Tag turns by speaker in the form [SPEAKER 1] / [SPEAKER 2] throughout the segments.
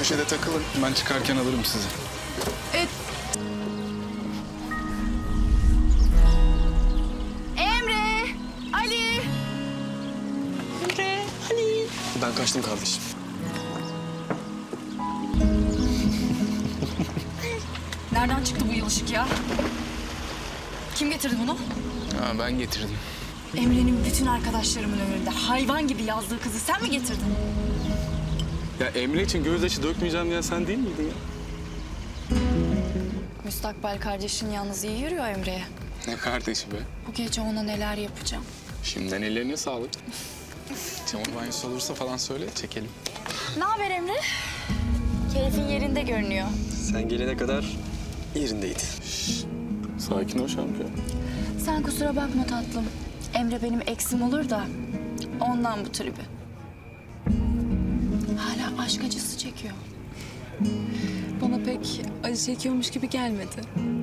[SPEAKER 1] köşede takılın. Ben çıkarken alırım sizi.
[SPEAKER 2] Emre, Ali.
[SPEAKER 3] Ben kaçtım kardeşim.
[SPEAKER 2] Nereden çıktı bu yılışık ya? Kim getirdi bunu?
[SPEAKER 1] Ha, ben getirdim.
[SPEAKER 2] Emre'nin bütün arkadaşlarımın önünde hayvan gibi yazdığı kızı sen mi getirdin?
[SPEAKER 1] Ya Emre için gözyaşı dökmeyeceğim diyen sen değil miydin ya?
[SPEAKER 2] Müstakbel kardeşin yalnız iyi yürüyor Emre'ye.
[SPEAKER 1] Ne kardeşi be?
[SPEAKER 2] Bu gece ona neler yapacağım.
[SPEAKER 1] Şimdiden ellerine sağlık. Çamur banyosu olursa falan söyle, çekelim.
[SPEAKER 2] Ne haber Emre? Keyfin yerinde görünüyor.
[SPEAKER 3] Sen gelene kadar yerindeydi.
[SPEAKER 1] Sakin ol şampiyon.
[SPEAKER 2] Sen kusura bakma tatlım. Emre benim eksim olur da ondan bu tribi. Hala aşk acısı çekiyor.
[SPEAKER 4] Bana pek acı çekiyormuş gibi gelmedi.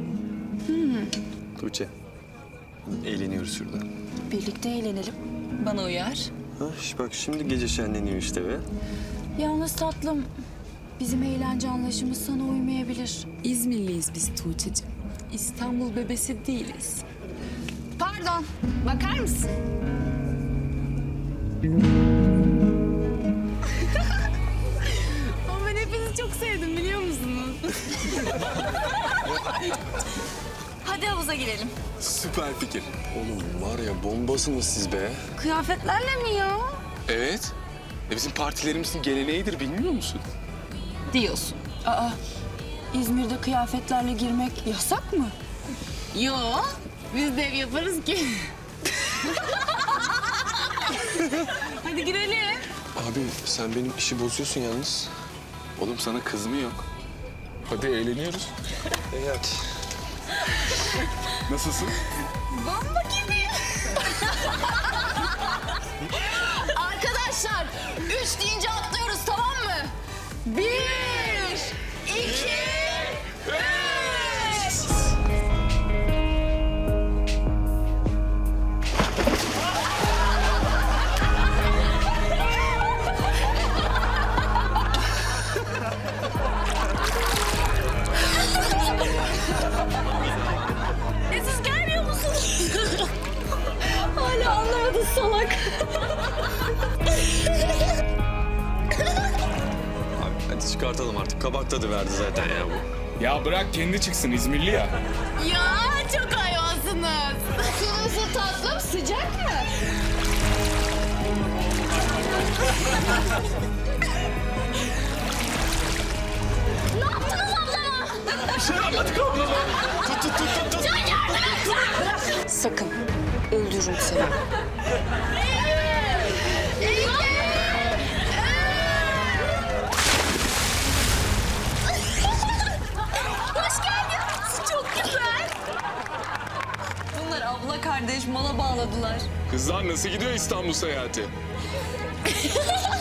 [SPEAKER 3] Tuğçe, eğleniyoruz şurada.
[SPEAKER 2] Birlikte eğlenelim.
[SPEAKER 4] Bana uyar.
[SPEAKER 3] Ha, bak şimdi gece şenleniyor işte be.
[SPEAKER 2] Yalnız tatlım, bizim eğlence anlayışımız sana uymayabilir.
[SPEAKER 4] İzmirliyiz biz Tuğçe'cim. İstanbul bebesi değiliz.
[SPEAKER 2] Pardon, bakar mısın?
[SPEAKER 4] Ama ben hepinizi çok sevdim biliyor musunuz?
[SPEAKER 2] Hadi havuza girelim.
[SPEAKER 1] Süper fikir.
[SPEAKER 3] Oğlum var ya bombasınız siz be.
[SPEAKER 2] Kıyafetlerle mi ya?
[SPEAKER 1] Evet. Bizim partilerimizin geleneğidir, bilmiyor musun?
[SPEAKER 4] Diyorsun.
[SPEAKER 2] Aa, İzmir'de kıyafetlerle girmek yasak mı?
[SPEAKER 4] Yo, biz de ev yaparız ki. Hadi girelim.
[SPEAKER 3] Abi sen benim işi bozuyorsun yalnız.
[SPEAKER 1] Oğlum sana kız mı yok? Hadi eğleniyoruz.
[SPEAKER 3] Evet.
[SPEAKER 1] Nasılsın?
[SPEAKER 2] Bomba gibi. Arkadaşlar, 3 deyince atlıyoruz, tamam mı? 1, 2, 3. Siz gelmiyor musunuz? Hala anlamadın salak.
[SPEAKER 3] Abi hadi çıkartalım artık. Kabak tadı verdi zaten ya bu.
[SPEAKER 1] Ya bırak kendi çıksın, İzmirli ya.
[SPEAKER 2] Ya çok hayvansınız. Su nasıl tatlım, sıcak mı? Ne yaptınız ablama?
[SPEAKER 1] Bir şey yapmadık ablama. Tut.
[SPEAKER 2] Sakın, öldürürüm seni. Hoş geldiniz. Çok güzel.
[SPEAKER 4] Bunlar abla kardeş mala bağladılar.
[SPEAKER 1] Kızlar nasıl gidiyor İstanbul seyahati?